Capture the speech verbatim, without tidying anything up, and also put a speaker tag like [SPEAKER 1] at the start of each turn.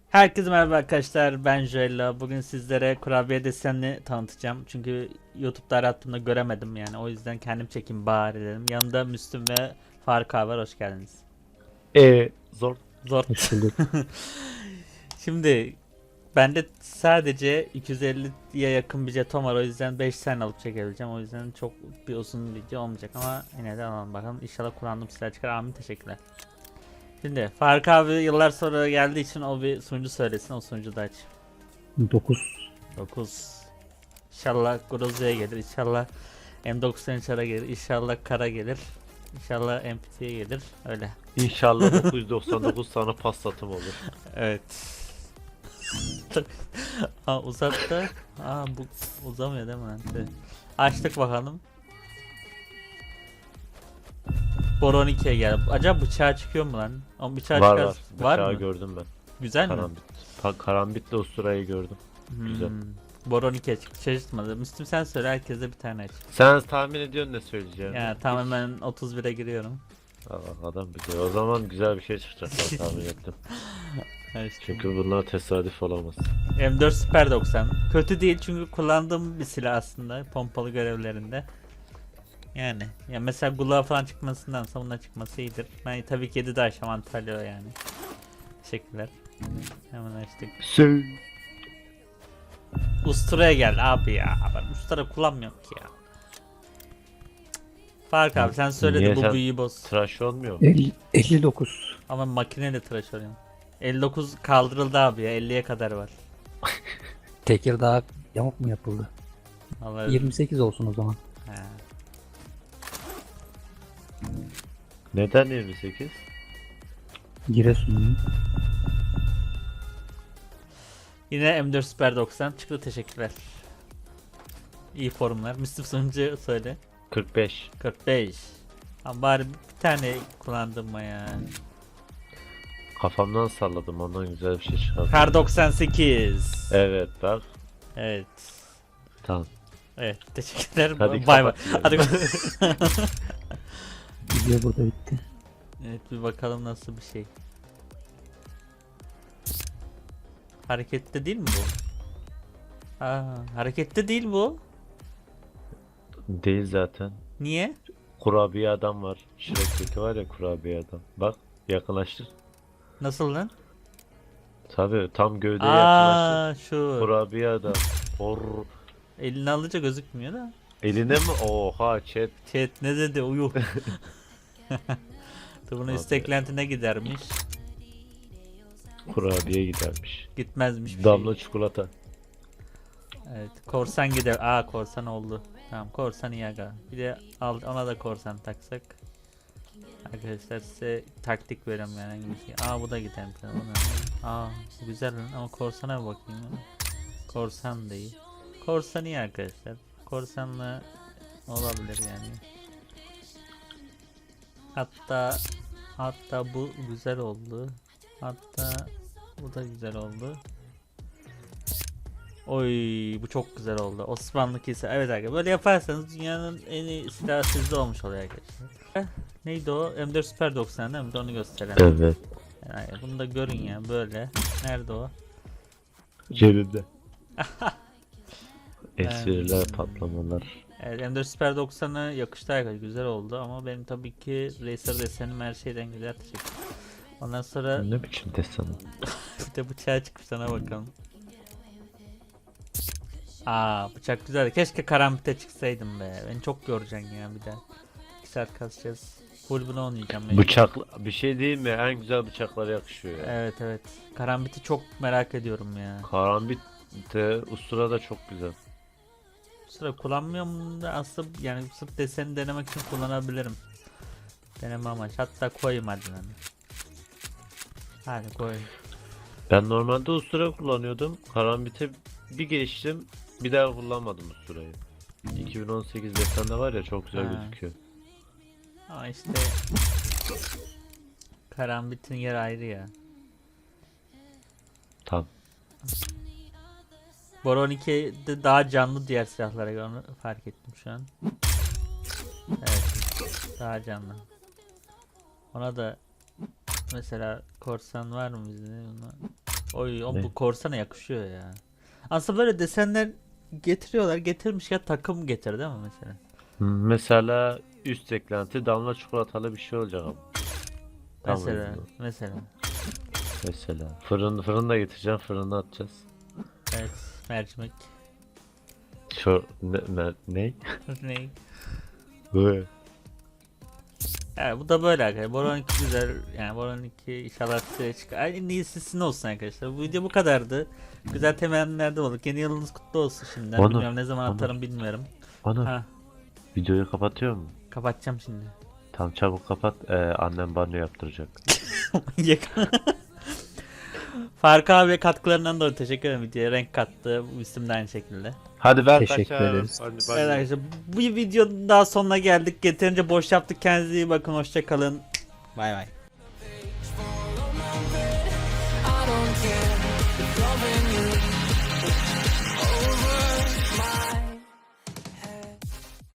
[SPEAKER 1] Herkese merhaba arkadaşlar, ben Joella. Bugün sizlere kurabiye desenini tanıtacağım. Çünkü YouTube'da arattığımda göremedim yani. O yüzden kendim çekeyim bari dedim. Yanında Müslüm ve Faruk abi var, hoş geldiniz.
[SPEAKER 2] E zor.
[SPEAKER 1] Zor.
[SPEAKER 2] Hoş bulduk.
[SPEAKER 1] Şimdi bende sadece iki yüz elliye yakın bir jeton var. O yüzden beş tane alıp çekebileceğim. O yüzden çok bir uzun video olmayacak ama yine de alalım bakalım. İnşallah kullandığım silah çıkar. Amin, teşekkürler. Şimdi Faruk abi yıllar sonra geldiği için o bir sunucu söylesin. O sunucu da aç.
[SPEAKER 2] Dokuz.
[SPEAKER 1] dokuz. İnşallah Grozo'ya gelir. İnşallah M doksan üç ara gelir. İnşallah Kara gelir. İnşallah M P T'ye gelir. Öyle.
[SPEAKER 2] İnşallah dokuz yüz doksan dokuz tane paslatım olur.
[SPEAKER 1] Evet. Aa, uzat da. Aa, bu uzamıyor değil mi? Evet. Açtık bakalım. Boron ikiye gel. Acaba bıçağı çıkıyor mu lan? Ama bıçağı
[SPEAKER 2] Var
[SPEAKER 1] çıkar.
[SPEAKER 2] var.
[SPEAKER 1] Var
[SPEAKER 2] Bıçağı
[SPEAKER 1] mı?
[SPEAKER 2] gördüm ben.
[SPEAKER 1] Güzel mi?
[SPEAKER 2] Karambit. Pa karambitle usturayı gördüm. Güzel.
[SPEAKER 1] Hmm. Boron ikiye çıktı. Şaşırtmadı. Müslüm sen söyle, herkese bir tane aç.
[SPEAKER 2] Sen tahmin ediyorsun ne söyleyeceğini.
[SPEAKER 1] Ya tamamen otuz bire giriyorum.
[SPEAKER 2] Aa, adam biliyor. O zaman güzel bir şey çıkacak ben tahmin ettim.
[SPEAKER 1] Evet.
[SPEAKER 2] Çünkü bunlar tesadüf olamaz.
[SPEAKER 1] M dört Super doksan. Kötü değil çünkü kullandığım bir silah aslında pompalı görevlerinde. Yani ya mesela Gula falan çıkmasındansa bundan çıkması iyidir. Ben tabii ki yedi de aşam Antalya yani. Teşekkürler. Hemen açtık.
[SPEAKER 2] Sö
[SPEAKER 1] Ustura'ya gel abi ya. Ben Ustura kullanmıyorum ki ya. Fark abi sen söyle
[SPEAKER 2] Niye
[SPEAKER 1] de bu
[SPEAKER 2] sen
[SPEAKER 1] büyüyü boz.
[SPEAKER 2] tıraş olmuyor mu?
[SPEAKER 3] elli, elli dokuz.
[SPEAKER 1] Ama makineyle tıraş oluyorum. elli dokuz kaldırıldı abi ya, elliye kadar var.
[SPEAKER 3] Tekirdağ yamuk mu yapıldı?
[SPEAKER 1] Vallahi.
[SPEAKER 3] yirmi sekiz olsun o zaman.
[SPEAKER 1] He.
[SPEAKER 2] Neden yirmi sekiz?
[SPEAKER 3] Giresun.
[SPEAKER 1] Yine M dört Super doksan çıktı, teşekkürler. İyi forumlar. Müslüm Sunucu söyle.
[SPEAKER 2] kırk beş.
[SPEAKER 1] kırk beş. Ama bari bir tane kullandım mı ya.
[SPEAKER 2] Kafamdan salladım ondan güzel bir şey çıkardım.
[SPEAKER 1] Kar doksan sekiz.
[SPEAKER 2] Evet bak.
[SPEAKER 1] Evet.
[SPEAKER 2] Tamam.
[SPEAKER 1] Evet, teşekkürler.
[SPEAKER 2] Hadi
[SPEAKER 1] Bay bay.
[SPEAKER 2] kapat.
[SPEAKER 1] Hadi.
[SPEAKER 3] Video burada bitti.
[SPEAKER 1] Evet, bir bakalım nasıl bir şey. Harekette değil mi bu? Aa, harekette değil bu.
[SPEAKER 2] Değil zaten.
[SPEAKER 1] Niye?
[SPEAKER 2] Kurabiye adam var. Shrek'teki var ya kurabiye adam. Bak yakınlaştır.
[SPEAKER 1] Nasıl lan?
[SPEAKER 2] Tabii tam gövdeye yakınlaştır.
[SPEAKER 1] Aa, şu.
[SPEAKER 2] Kurabiye adam. Hor.
[SPEAKER 1] Elini alınca gözükmüyor da.
[SPEAKER 2] Eline mi? Oha chat.
[SPEAKER 1] Chat ne dedi? Uyuh. Dur, bunun
[SPEAKER 2] Abi.
[SPEAKER 1] üst eklentine gidermiş.
[SPEAKER 2] Kurabiye gidermiş.
[SPEAKER 1] Gitmezmiş bir
[SPEAKER 2] Damla
[SPEAKER 1] şey.
[SPEAKER 2] çikolata.
[SPEAKER 1] Evet, korsan gider. Aa, korsan oldu. Tamam, korsan iyi aga. Bir de al, ona da korsan taksak. Arkadaşlar size taktik veriyorum yani. hangisi- Aa, bu da gider. Bu ne? Aa, bu güzel lan ama korsana bir bakayım ya. Korsan da iyi. Korsan iyi arkadaşlar. Korsanla olabilir yani. Hatta hatta bu güzel oldu. Hatta bu da güzel oldu. Oy, bu çok güzel oldu. Osmanlı kilise. Evet arkadaşlar, böyle yaparsanız dünyanın en iyi silahı sizde olmuş oluyor arkadaşlar. Eh, Neydi o? M dört Super doksan değil mi? Bir de onu gösterelim.
[SPEAKER 2] Evet.
[SPEAKER 1] Yani bunu da görün ya böyle. Nerede o?
[SPEAKER 2] Cebimde. Espriler, patlamalar.
[SPEAKER 1] Evet, M dört Super doksan'a yakıştı arkadaşlar. Güzel oldu ama benim tabii ki Racer desenim her şeyden güzel. Teşekkür. Ondan sonra
[SPEAKER 2] Ne biçim desen?
[SPEAKER 1] bir de bıçağı çıkmış, sana bakalım. Aa, bıçak güzel. Keşke karambite çıksaydım be. Beni çok yoracaksın ya bir daha. iki saat kasacağız. Full bunu oynayacağım. mecbur.
[SPEAKER 2] Bıçak bir şey değil mi? En güzel bıçaklara yakışıyor ya.
[SPEAKER 1] Evet evet. Karambiti çok merak ediyorum ya.
[SPEAKER 2] Karambit de ustura da çok güzel.
[SPEAKER 1] Bu sıra kullanmıyorum da aslında yani sırf deseni denemek için kullanabilirim. Deneme amaç. Hatta koyayım hadi lan. Hadi koy.
[SPEAKER 2] Ben normalde ustura kullanıyordum. Karambit'e bir geçtim. Bir daha kullanmadım usturayı. iki bin on sekiz desende var ya çok güzel
[SPEAKER 1] Ha.
[SPEAKER 2] gözüküyor.
[SPEAKER 1] Ama işte karambitin yer ayrı ya.
[SPEAKER 2] Tam.
[SPEAKER 1] Boron iki'de daha canlı diğer silahlara göre, onu fark ettim şu an. Evet. Daha canlı. Ona da mesela korsan var mı bizde? Buna- Oy o
[SPEAKER 2] Ne?
[SPEAKER 1] bu korsana yakışıyor ya. Aslında böyle desenler getiriyorlar. Getirmiş ya takım getir değil mi mesela?
[SPEAKER 2] Mesela üst eklenti damla çikolatalı bir şey olacak ama. Tam
[SPEAKER 1] Mesela
[SPEAKER 2] uyumlu.
[SPEAKER 1] mesela.
[SPEAKER 2] Mesela. Fırın, fırında getireceğim, fırına atacağız.
[SPEAKER 1] Evet mercimek.
[SPEAKER 2] Şu ne? Ne? ne?
[SPEAKER 1] Ne?
[SPEAKER 2] Böyle.
[SPEAKER 1] Evet, bu da böyle arkadaşlar. Boron iki güzel. Yani Boron iki inşallah size çıkar. En iyisi sizin olsun arkadaşlar. Bu video bu kadardı. Güzel temennilerde olduk. Yeni yılınız kutlu olsun şimdiden.
[SPEAKER 2] Onur,
[SPEAKER 1] Bilmiyorum ne zaman
[SPEAKER 2] Onur.
[SPEAKER 1] atarım bilmiyorum.
[SPEAKER 2] Ana,
[SPEAKER 1] Ha,
[SPEAKER 2] videoyu kapatıyor mu?
[SPEAKER 1] kapatacağım şimdi.
[SPEAKER 2] Tam çabuk kapat. Ee, annem banyo yaptıracak.
[SPEAKER 1] Manyak. Fark abi katkılarından dolayı teşekkür ederim videoya. Renk kattı. Bu isim de aynı şekilde.
[SPEAKER 2] Hadi ben
[SPEAKER 3] Teşekkür
[SPEAKER 2] kaçarım.
[SPEAKER 3] ederiz.
[SPEAKER 2] Hadi
[SPEAKER 1] Evet
[SPEAKER 2] banyo.
[SPEAKER 1] arkadaşlar bu videonun daha sonuna geldik. Yeterince boş yaptık. Kendinize iyi bakın. Hoşça kalın. Bay bay.
[SPEAKER 4] I don't care.